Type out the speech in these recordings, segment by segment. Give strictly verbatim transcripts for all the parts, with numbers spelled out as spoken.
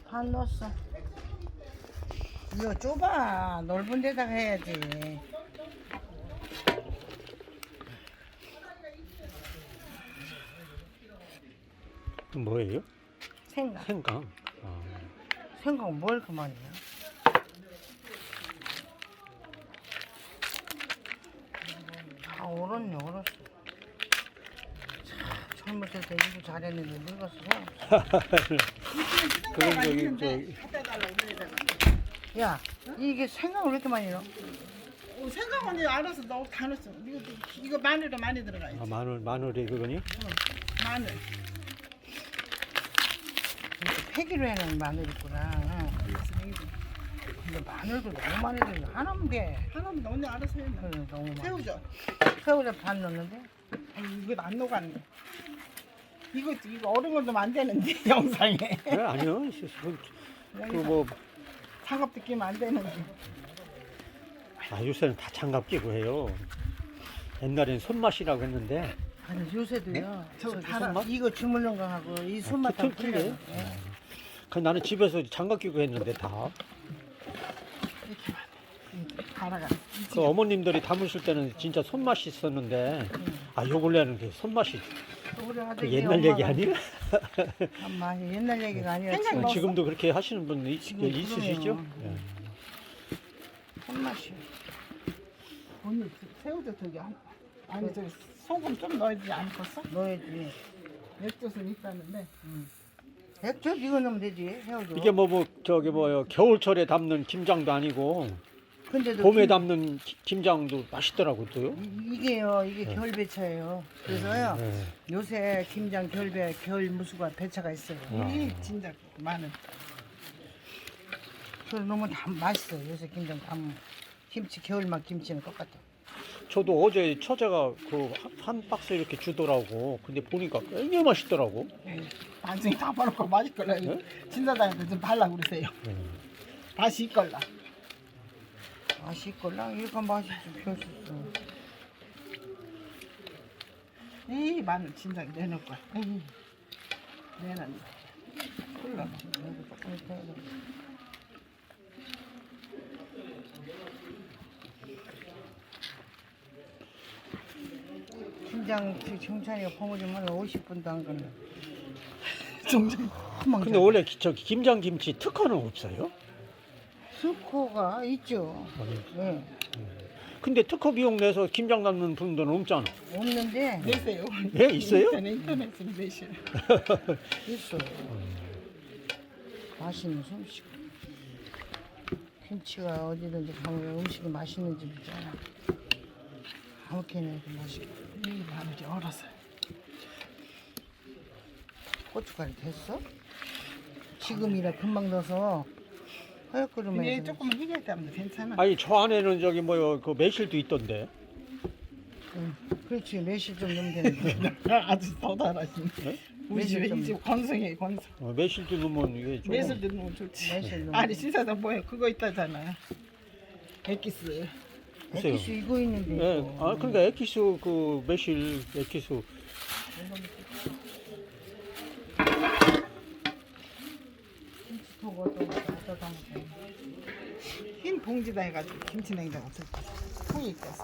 반 넣었어. 이거 좁아. 넓은 데다가 해야지. 뭐예요? 생강. 생강. 아. 생강 뭘 그만이야. 다 얼었네, 얼었어. 참, 젊었을 때 이거 잘했는데 늙었어. 그런 저기 저기 야, 이게 생강을 왜 이렇게 많이 넣어? 어, 생강 언니 알아서 넣어 다 넣었어. 이거 이거 마늘도 많이 들어가 있어. 아, 마늘 마늘이 그거니? 마늘. 이렇게 폐기로 해놓은 마늘 있구나. 근데 마늘도 너무 많이 들어. 하나면 돼. 하나면 언니 알아서 해. 그래, 너무 많이. 새우젓. 새우젓 반 넣는데? 아니 이거 안 녹았네. 이거 이거 얼은 건 좀 안 되는데 영상에. 그래 아니요. 그뭐 장갑도 끼면 안 되는데. 아, 요새는 다 장갑 끼고 해요. 옛날엔 손맛이라고 했는데 아니 요새도요. 저 저기 달아. 손맛? 이거 주물른 거 하고 이 손맛 다 틀- 틀려요? 틀려요. 예. 그 나는 집에서 장갑 끼고 했는데 다. 이렇게 갈아가. 그 어머님들이 담으실 때는 진짜 손맛이 있었는데 아, 요 근래는 그 손맛이 우리 그 아들이 옛날 얘기 엄마가 아니에요? 엄마 옛날 얘기가 아니라 생각 지금 넣었어? 지금도 그렇게 하시는 분 있, 지금 있으시죠? 그러네요. 예. 손맛이. 언니 새우젓 저기 한 아니 저 소금 좀 넣어야지 않겠어? 넣어야지. 액젓은 있다는데. 액젓 이거 넣으면 되지. 새우젓. 이게 뭐, 뭐 저기 뭐요 겨울철에 담는 김장도 아니고 근데도 봄에 김- 담는 기- 김장도 맛있더라고요. 또요. 이- 이게요. 이게 겨울배차예요. 그래서요. 예. 요새 김장 겨울배 겨울 무수가 배차가 있어요. 아. 이 진짜 마늘. 그래서 너무 다 맛있어. 요새 김장 담 김치 겨울맛 김치는 똑같아. 저도 어제 처제가 그 한 박스 이렇게 주더라고. 근데 보니까 굉장히 맛있더라고. 나중에 다 버놓고 맛있 걸라. 네? 진사장한테 좀 발라 그러세요. 예. 다시 있걸라. 맛있걸라. 이렇게 맛이 좀 별수 있어. 이 마늘 진작 내놓을 거야. 에이, 내놨네. 콜라. 이거 조금 이따 해야 돼. 김장 정찬이가 버무리면 오십 분도 안 걸려. 정정. 금방 근데 돼. 원래 기- 저 김장 김치 특허는 없어요? 스코가 있죠. 네. 근데 특허 비용 내서 김장 담는 분들은 없잖아. 없는데 내세요. 예, 있어요? 인터넷 인터넷으로 내시요. 있어. 맛있는 솜씨. 김치가 어디든지 가면 음식이 맛있는 집 있잖아. 아무렇게나 해도 맛있고. 이 마늘이 얼었어요. 고춧가루 됐어? 지금이라 금방 넣어서 허옇그릇만 이게 해서 조금만 희게 하면 괜찮아. 아니 저 안에는 저기 뭐요 그 매실도 있던데. 응. 그렇지 매실 좀 넣으면 되는데. 아주 더 달아지네. 네? 우리 집에 매실 좀- 이집 건성해 건성. 어, 매실도 넣으면 이게 좀. 매실 넣으면 좋지. 매실 넣으면 아니 신사장 뭐야 그거 있다잖아. 액기스. 글쎄요. 액기스 이거 있는데. 예, 이거. 아 그러니까 에키스 그 매실 에키스 김치통 어떤 거 갖다 담아서. 흰 봉지다 해가지고 김치 냉장 없을 때. 통이 있겠어.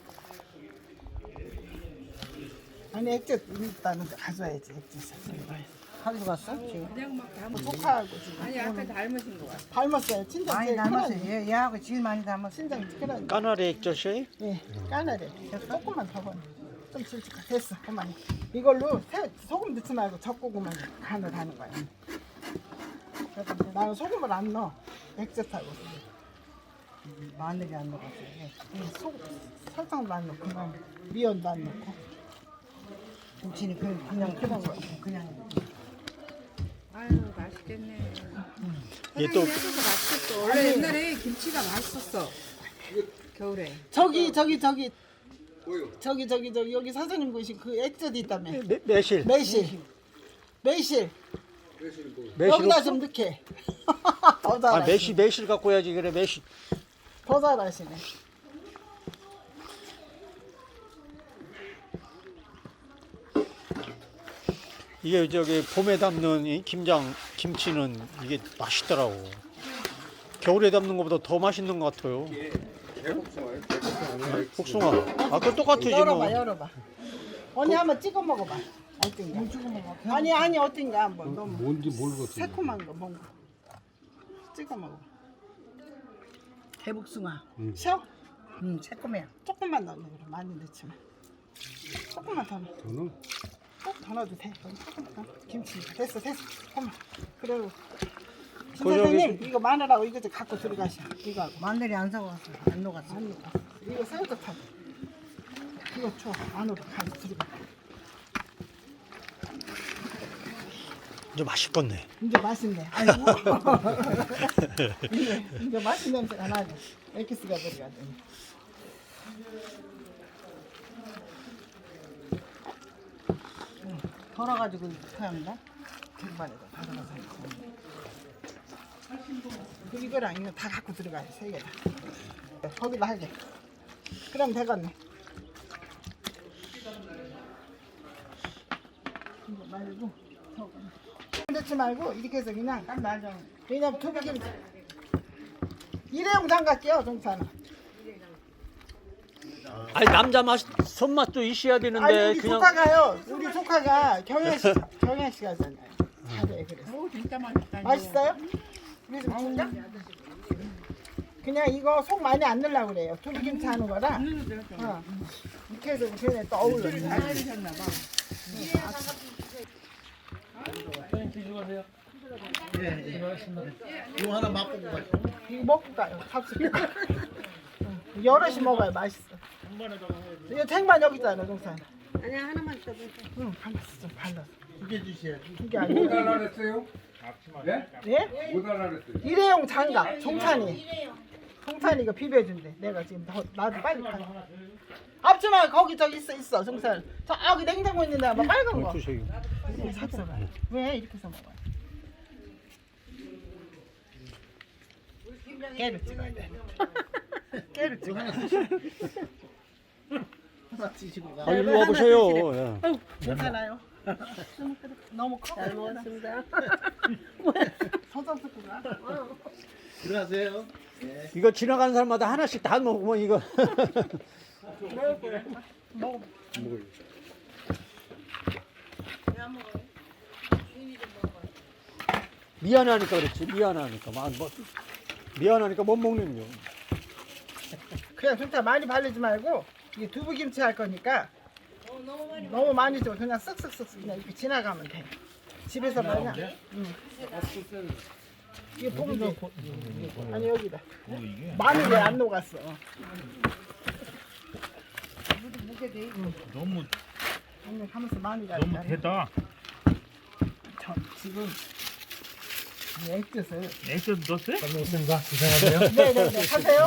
아니 액젓 있다는데 가져야지 액젓을. 가져갔어? 지금? 그냥 막 담은 조카하고 지금 아니 아까 닮으신 거 같아. 닮았어요. 친정 많이 제일 닮았어. 큰아들. 얘, 얘하고 제일 많이 닮았어. 친정 큰아들. 까나리 액젓이 예, 까나래. 조금만 더 번. 좀 질질 됐어. 그만. 이걸로 새, 소금 넣지 말고 젓고구만 간을 하는 거야. 그래서 이제 나는 소금을 안 넣어. 액젓하고. 마늘이 안 넣어가지고. 예, 소 설탕도 안 넣고 그냥 미연도 안 넣고. 김치는 그냥 그냥 그냥 거 그냥. 아유 맛있겠네. 얘 사장님이 또 해줘서 맛있었어. 원래 옛날에 김치가 맛있었어. 겨울에. 저기 저기 저기 저기 저기 저기 여기 사장님 보신 그 액젓이 있다며. 매, 매실 매실. 매실. 매실 여기다 없어? 좀 넣게. 더 잘하시네. 아 매실 매실 갖고 해야지 그래 매실. 더 잘하시네. 이게 저기 봄에 담는 이 김장 김치는 이게 맛있더라고. 겨울에 담는 것보다 더 맛있는 것 같아요. 복숭아. 아까 똑같지 뭐. 열어봐 열어봐. 언니 한번 찍어 먹어봐. 어떤가? 찍어 먹어. 아니 아니 어떤가 한번. 너무 뭔지 모르겠어. 새콤한 거 뭔가. 찍어 먹어. 대복숭아. 쉬어? 음, 새콤해. 조금만 넣어. 그래. 많이 넣지 마. 조금만 더 넣어. 저는 꼭 더 넣어도 돼. 그럼 조금만 더. 김치 됐어 됐어. 잠깐만. 그리고 김 그 저기 선생님 이거 마늘하고 이거 좀 갖고 들어가셔. 이거 하고. 마늘이 안 사왔어. 안 녹았어. 안 넣어. 이거 새우젓하고. 이거 줘. 안으로 가서 들어가. 이제 맛있겠네. 이제 맛있네. 아이고. 이제, 이제 맛있는 냄새가 나네. 엑기스가 들어가더니. 덜어가지고 토양다. 쟁반에다 가져가서 그 이거랑 이거 다 갖고 들어가야 돼. 세 개다. 거기다 하게. 그럼 되겠네. 이거 말고 저거. 넣지 말고 이렇게 해서 그냥 딱 놔줘. 왜냐면 두비김치 일회용 장갑이요 정찬아. 아니 남자 맛 손맛도 있어야 아니 되는데 우리 그냥 조카가요. 우리 조카가 경현 씨 경현 씨 가잖아요. 잘해 그래서. 오, 진짜 맛있다. 맛있어요? 우리 좀 줄까? 그냥 이거 속 많이 안 넣으려고 그래요. 두비김치 하는 거라. 어. 이렇게 해서 걔네 또 어울려. 이거 하나 맛보고 가요. 이거 먹고 가요. 값을. 응. 여럿이 먹어야 맛있어. 이거 탱반 여기 있잖아, 동산. 아니야, 하나만 더. 응, 발랐어, 좀 발랐어. 두개 주셔야지. 이게 뭐 아니고. 달라 그랬어요? 네? 예? 뭐 달라 그랬어요? 일회용 장갑, 종찬이. 종찬이 이거 비벼준대. 내가 지금 더, 나도 빨리 가. 앞치마 거기 저기 있어, 있어, 종찬. 저기 냉장고 있는데 막 빨간 거. 두세요. 이거 샀어봐. 왜 이렇게 해서 먹어? 깨를 찍어야 돼. 깨를 찍어. 하나 드시고 가. 아, 일로 와보세요. 예. 괜찮아요. 너무 커. 잘 먹었습니다. 서점 듣고 가. 들어가세요. 이거 지나가는 사람마다 하나씩 다 먹으면 이거 먹어. 미안하니까 그렇지. 미안하니까 막 뭐, 미안하니까 못 먹는 거. 그냥 진짜 많이 바르지 말고 이게 두부김치 할 거니까 너무 많이 줘. 그냥 쓱쓱쓱 그냥 이렇게 지나가면 돼. 집에서 말냐? 응. 이게 봉지. 아니 여기다. 마늘이 안 녹았어. 너무 아니 하면서 마늘이 안 너무 녹았어. 대다. 저 지금 이 액젓을. 액션 넣었어요? 반갑습니다. 고생하세요. 네네네 하세요.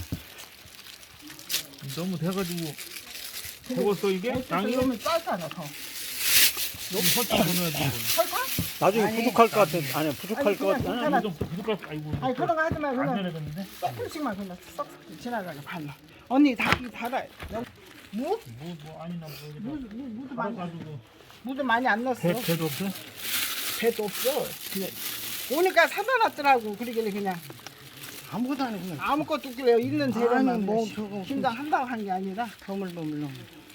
너무 돼가지고 되었어 이게? 액젓을 땅이? 넣으면 짧잖아 더. 너무 설탕 넣어야지. 설탕? 나중에 부족할 것 같아. 아니 부족할 아니, 것 그냥 같아. 괜찮아. 좀 부족할 아이고. 아니 그런 거 하지 말고 안 그냥 되겠는데? 조금씩만 그냥 쏙 지나가게 발라. 언니 닭이 달아요. 무? 뭐, 뭐 아니나 뭐 무, 무, 무도 많이 가지고 무도 많이 안 넣었어. 배 배도 없어? 배도 없어. 그래. 오니까 사다 놨더라고. 그러길래 그냥 아무것도 안 해, 그냥. 아무것도 없길래 있는 재료만 아니, 뭐 그냥 저거 김장 한다고 한 게 아니라 버물버물로.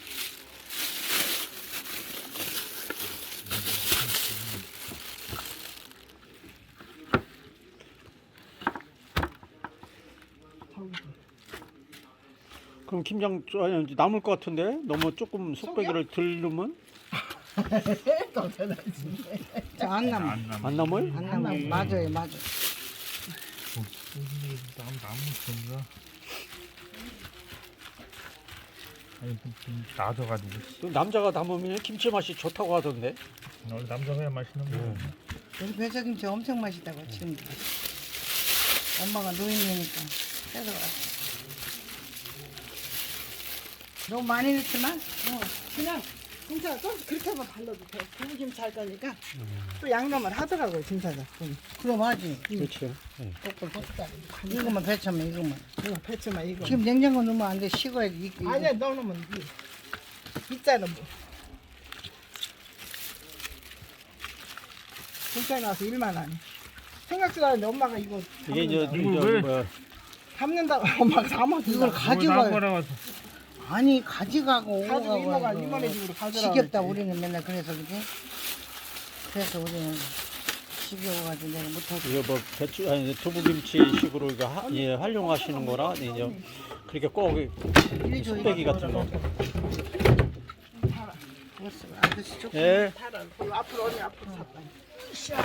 저기 그럼 김장 아니, 남을 것 같은데 너무 조금 속배기를 덜 넣으면 더 되나지. 저안 남아. 안 남. 안 남을? 안 남아. 맞아요, 맞아. 남 나무 전가. 아니 좀 나져가지고. 또 남자가 담으면 김치 맛이 좋다고 하던데. 오늘 남자가 해야 맛있는 거. 우리 배석김치 엄청 맛있다고 지금. 엄마가 노인이니까 해서 왔어. 너무 많이 넣지만 어, 그냥 진짜 좀 그렇게 하면 발라도 돼. 두부김치 할 거니까 또 양념을 하더라고요, 진짜가. 그럼 하지. 그렇죠. 예. 이거만 배차면 이거만. 이거 배추만 이거. 지금 냉장고 넣으면 안 돼. 식어야지. 이거, 이거. 아니야, 넣어놓으면 이 있잖아 뭐. 경찰에 나와서 일만 하네. 생각지도 않았는데 엄마가 이거 이게 이제 담는다고. 이거 저 왜? 뭐야 담는다고 엄마가 담아준다고. 이걸 가져가요. 나무라고 아니 가져가고 가지고 이모가 오고 이모네 집으로 가져라. 지겹다 그랬지. 우리는 맨날 그래서 그지? 그래서 우리는 지겨워가지고 내가 못하고 이거 뭐 배추 아니 두부김치식으로 이거 하, 예, 활용하시는 거라 이제 그렇게 꼭 이리 줘 뚝배기 같은 거. 죽었어 아저씨 조금 예. 타라. 그리고 앞으로 언니 앞으로 샀다. 샤.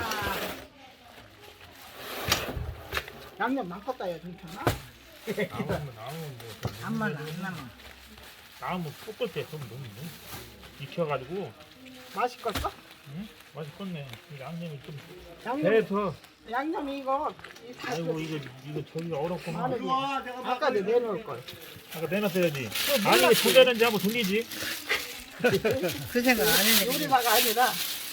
양념 많겠다 야 괜찮아? 나무면 나무인데 안 말라 안 남아 나무 꺾을 때좀 너무 익혀가지고 맛있겠어? 응? 맛있겠네. 이 양념이 좀 양념 배서 양념 이거 이 다. 아이고 이거 이거 저기가 어렵구만. 마늘 아까 내 내놓을 걸. 아까 내놨어야지. 그거 아니 이게 몰랐지. 도대는지 한번 돌리지. 그 생각 안 했네 요리사가 아니라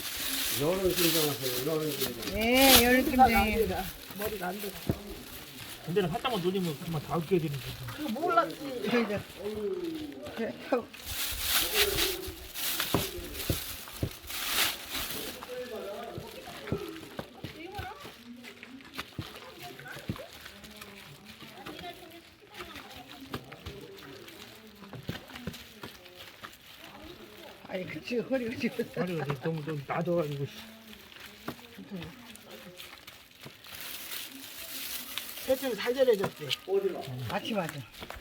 예 열kim장 요리사가 아니라 머리가 안 돼. 근데는 살짝만 돌리면 그만 다 으깨야 되는 거지. 그거 몰랐지. 그래 그래 아니 그치 허리가 지금 아니 이거 너무 좀 낮아가지고. 씨. 대충 잘 절여졌지. 같이 맞아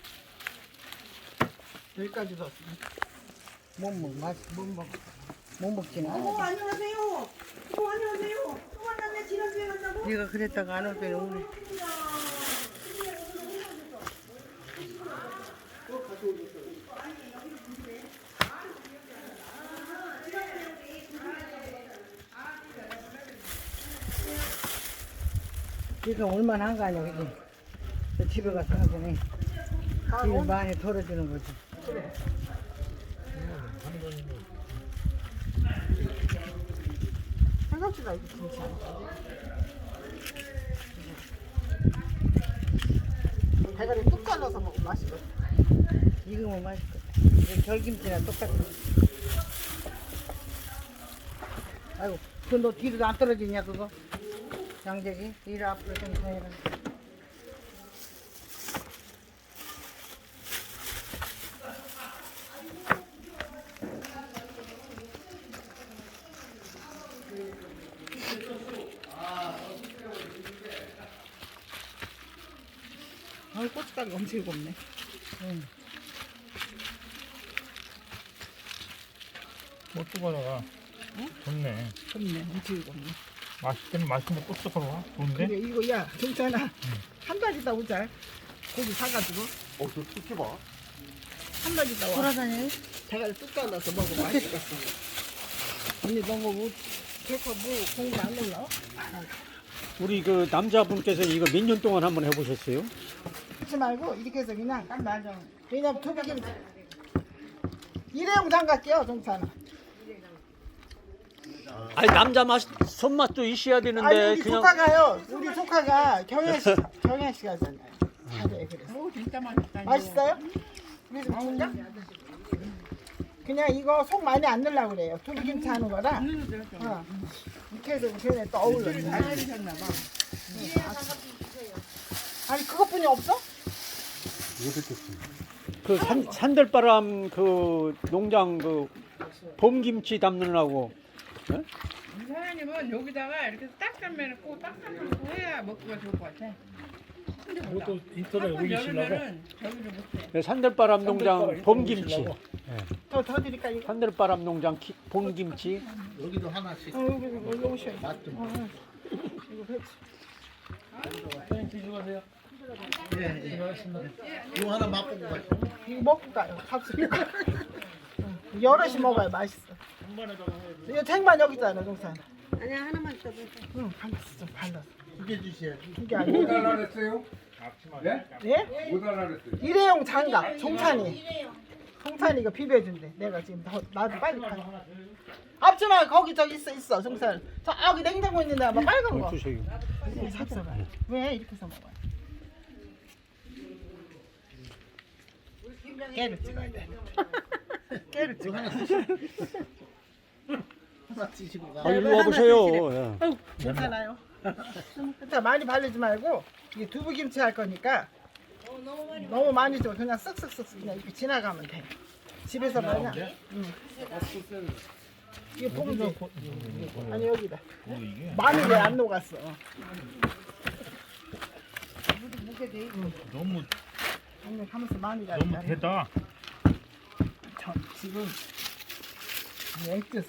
여기까지 넣었어. 못 먹어 맛 못 먹어 못 먹지는 않아 안녕하세요. 어, 안녕하세요. 또 만났네. 지난주에 만나고. 네가 그랬다가 안 올 때는 오늘 지금 얼마나 한 거 아니야 그지? 저 집에 가서 하더니 집에 많이 덜어주는 거지 생각지도 이거 김치 안 대가리 뚝 갈라서 먹으면 맛있거든. 익으면 맛있거든 이거 결김치랑 똑같아 아이고 그거 너 뒤로 안 떨어지냐 그거? 양재기 뒤로 앞으로 좀 해라 아, 고춧가루 엄청 곱네. 응. 고춧가루가 좋네. 곱네, 엄청 곱네. 맛있긴 맛있는데 고춧가루가 좋은데? 근데 이거 야, 괜찮아. 한 달 있다 오자. 고기 사가지고 어, 저 특히 봐. 한 달 있다 와. 돌아다녀 대가리 뚝 갈라서 먹으면 맛있겠어. 언니 너무 뭐, 개코 뭐 공부 안 올라? 우리 그 남자분께서 이거 몇 년 동안 한번 해보셨어요? 하지 말고 이렇게 해서 그냥 딱 놔줘. 왜냐면 두부김 일회용 장갑 끼워 정찬아. 아니 남자 맛 손맛도 있어야 아니 되는데 우리 그냥 조카가요. 우리 조카가 경혜씨 경혜씨 가잖아요. 잘해 그래서. 오 진짜 맛있다 맛있어요? 우리 좀 줄까? 그냥 이거 속 많이 안 넣으려고 그래요. 두부김치 하는 거라. 어. 이렇게 해서 걔네 또 어울려. 잘하셨나 봐 아니 그것뿐이 없어? 그 산, 산들바람 그 농장 그 봄김치 담느라고 사장님은 여기다가 이렇게 딱 삶아놓고 딱 삶아놓고 해야 먹기가 좋을 것 같아. 이것도 인터넷 올리시려고? 여름에는 저기를 못해. 네, 산들바람 농장 봄김치 더, 더 드릴까 이거? 산들바람 농장 키, 봄김치 여기도 하나씩. 어, 여기 여기 오셔. 맛 좀. 어, 이거 배치. 예, 예. 이거 하나 맛보고 가시죠. 이거 먹고 가요. 값으니까. 여럿이 먹어야 맛있어. 이거 쟁반 여기 있잖아, 동산. 아니야, 하나만 더 보세요. 응, 발랐어, 좀 발랐어. 두개 주셔야지. 이게 뭐 아니야. 달라 그랬어요? 네? 예? 뭐 달라 그랬어요? 일회용 장갑, 종찬이. 종찬이가 비벼준대. 내가 지금 더, 나도 빨리 가. 앞치마 거기 저기 있어, 있어, 종찬. 저기 냉장고 있는데 막 빨간 거. 주세요. 이거 샀어. 왜 이렇게 해서 먹어요? 깨를 찍어야 돼. 깨를 찍어. 하나 드시고 가. 아, 일로 와보세요. 예. 괜찮아요. 일단 많이 바르지 말고 이게 두부김치 할 거니까 너무 많이 줘. 그냥 쓱쓱쓱 그냥 이렇게 지나가면 돼. 집에서 말냐? 응. 이게 봉지. 아니 여기다. 마늘이 안 녹았어. 너무 아니 가면서 마늘이 안 너무 녹았어. 대다. 저 지금 이 액젓